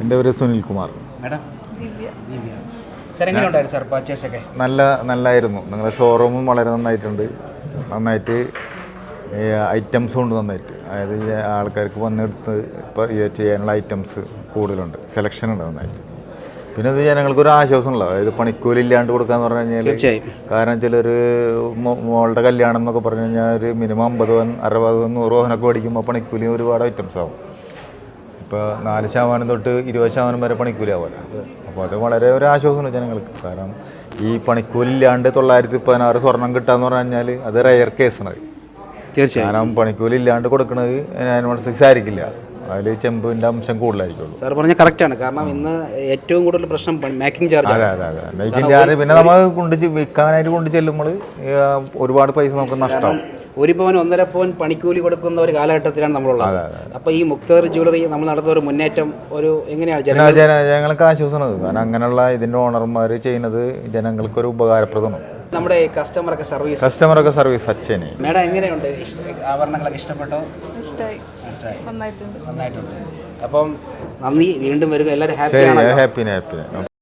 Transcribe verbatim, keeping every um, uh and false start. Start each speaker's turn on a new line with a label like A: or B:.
A: എൻ്റെ പേര് Sunilkumar.
B: Madam sir എങ്ങനെയുണ്ടായിരുന്നു സാർ പർച്ചേസ് ഒക്കെ?
A: നല്ല നല്ലായിരുന്നു. നിങ്ങളുടെ ഷോറൂമും വളരെ നന്നായിട്ടുണ്ട്. നന്നായിട്ട് ഐറ്റംസും ഉണ്ട് നന്നായിട്ട്. അതായത് ആൾക്കാർക്ക് വന്നെടുത്ത് ഇപ്പോൾ ചെയ്യാനുള്ള ഐറ്റംസ് കൂടുതലുണ്ട്, സെലക്ഷൻ ഉണ്ട് നന്നായിട്ട്. പിന്നെ ഇത് ജനങ്ങൾക്കൊരു ആശ്വാസമുള്ള, അതായത് പണിക്കൂലി ഇല്ലാണ്ട് കൊടുക്കാന്ന് പറഞ്ഞു കഴിഞ്ഞാൽ,
B: തീർച്ചയായും.
A: കാരണം വെച്ചാൽ ഒരു മോളുടെ കല്യാണം എന്നൊക്കെ പറഞ്ഞു കഴിഞ്ഞാൽ ഒരു മിനിമം അമ്പത് പവൻ അറുപത് പവൻ നൂറ് പവനൊക്കെ മേടിക്കുമ്പോൾ പണിക്കൂലി ഒരുപാട് ഐറ്റംസ് ആവും. ഇപ്പോൾ നാല് ശതമാനം തൊട്ട് ഇരുപത് ശതമാനം വരെ പണിക്കൂലി ആവുമല്ലോ. അപ്പോൾ അത് വളരെ ഒരു ആശ്വാസമാണ് ജനങ്ങൾക്ക്. കാരണം ഈ പണിക്കൂലി ഇല്ലാണ്ട് തൊള്ളായിരത്തി പതിനാറ് സ്വർണം കിട്ടാന്ന് പറഞ്ഞു കഴിഞ്ഞാൽ അത് റയർ കേസാണ്.
B: തീർച്ചയായും.
A: കാരണം പണിക്കൂലി ഇല്ലാണ്ട് കൊടുക്കുന്നത് അനുസരിച്ച് ആയിരിക്കില്ല, അതിൽ ചെമ്പിൻ്റെ അംശം കൂടുതലായിരിക്കുള്ളൂ.
B: സാർ പറഞ്ഞാൽ കറക്റ്റാണ്. കാരണം ഇന്ന് ഏറ്റവും കൂടുതൽ പ്രശ്നം മേക്കിംഗ് ചാർജ്.
A: അതെ അതെ അതെ മേക്കിംഗ് ചാർജ്. പിന്നെ നമ്മൾ കൊണ്ട് വിൽക്കാനായിട്ട് കൊണ്ട് ചെല്ലുമ്പോൾ ഒരുപാട് പൈസ നമുക്ക് നഷ്ടമാവും.
B: ഒരു പവൻ ഒന്നര പവൻ പണിക്കൂലി കൊടുക്കുന്ന ഒരു കാലഘട്ടത്തിലാണ് നമ്മളുള്ളത്. അപ്പോൾ ഈ മുക്തർ ജ്വല്ലറി നമ്മൾ നടത്തുന്ന ഒരു മുന്നേറ്റം ഒരു എങ്ങനെയാണ്
A: ജനങ്ങൾക്ക് ആശ്വാസമാണ്. കാരണം അങ്ങനെയുള്ള ഇതിൻ്റെ ഓണർമാർ ചെയ്യുന്നത് ജനങ്ങൾക്കൊരു ഉപകാരപ്രദമാണ്.
B: നമ്മുടെ കസ്റ്റമറൊക്കെ സർവീസ്
A: കസ്റ്റമറൊക്കെ സർവീസ് അച്ഛനെ.
B: മേഡം എങ്ങനെയുണ്ട്? ആഭരണങ്ങളൊക്കെ ഇഷ്ടപ്പെട്ടോ?
C: ഇഷ്ടമായി, നന്നായിട്ടുണ്ട്.
B: നന്നായിട്ടുണ്ട്. അപ്പം നന്ദി, വീണ്ടും വരിക. എല്ലാവരും ഹാപ്പിയാണ്.
A: Happy happy